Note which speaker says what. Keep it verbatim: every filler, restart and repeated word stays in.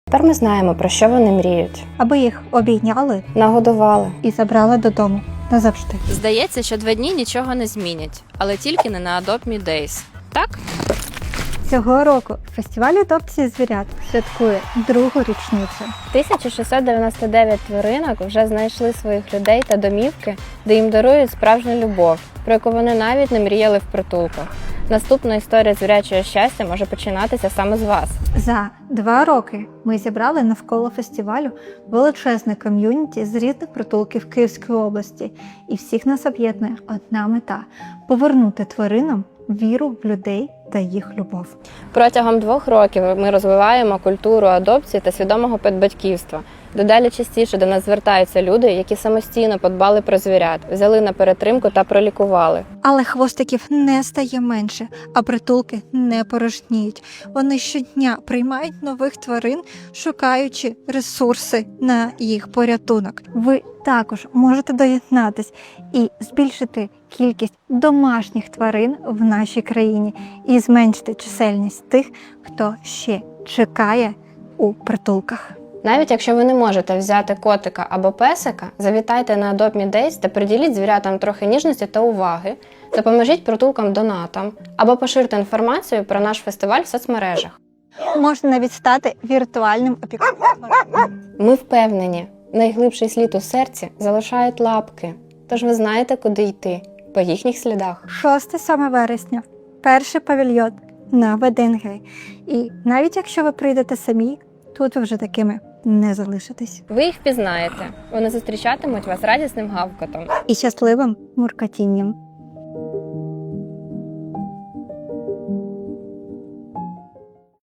Speaker 1: Тепер ми знаємо, про що вони мріють.
Speaker 2: Аби їх обійняли
Speaker 1: Нагодували.
Speaker 2: і забрали додому назавжди.
Speaker 3: Здається, що два дні нічого не змінять, але тільки не на Adopt Me Days. Так?
Speaker 2: Цього року фестиваль адопції звірят святкує другу річницю.
Speaker 1: тисяча шістсот дев'яносто дев'ять тваринок вже знайшли своїх людей та домівки, де їм дарують справжню любов, про яку вони навіть не мріяли в притулках. Наступна історія звірячого щастя може починатися саме з вас.
Speaker 2: За два роки ми зібрали навколо фестивалю величезне ком'юніті з різних притулків Київської області. І всіх нас об'єднує одна мета – повернути тваринам віру в людей та їх любов.
Speaker 1: Протягом двох років ми розвиваємо культуру адопції та свідомого педбатьківства. Дедалі частіше до нас звертаються люди, які самостійно подбали про звірят, взяли на перетримку та пролікували.
Speaker 2: Але хвостиків не стає менше, а притулки не порожніють. Вони щодня приймають нових тварин, шукаючи ресурси на їх порятунок. Ви також можете доєднатись і збільшити кількість домашніх тварин в нашій країні і зменшити чисельність тих, хто ще чекає у притулках.
Speaker 1: Навіть якщо ви не можете взяти котика або песика, завітайте на Adopt Me Days та приділіть звірятам трохи ніжності та уваги, допоможіть притулкам донатам або поширте інформацію про наш фестиваль в соцмережах.
Speaker 2: Можна навіть стати віртуальним опікуном.
Speaker 1: Ми впевнені, найглибший слід у серці залишають лапки, тож ви знаєте, куди йти, по їхніх слідах.
Speaker 2: шостого-сьомого вересня, перший павільйон на Веденгей. І навіть якщо ви прийдете самі, тут ви вже такими не залишитесь.
Speaker 1: Ви їх впізнаєте, вони зустрічатимуть вас радісним гавкотом.
Speaker 2: І щасливим муркотінням.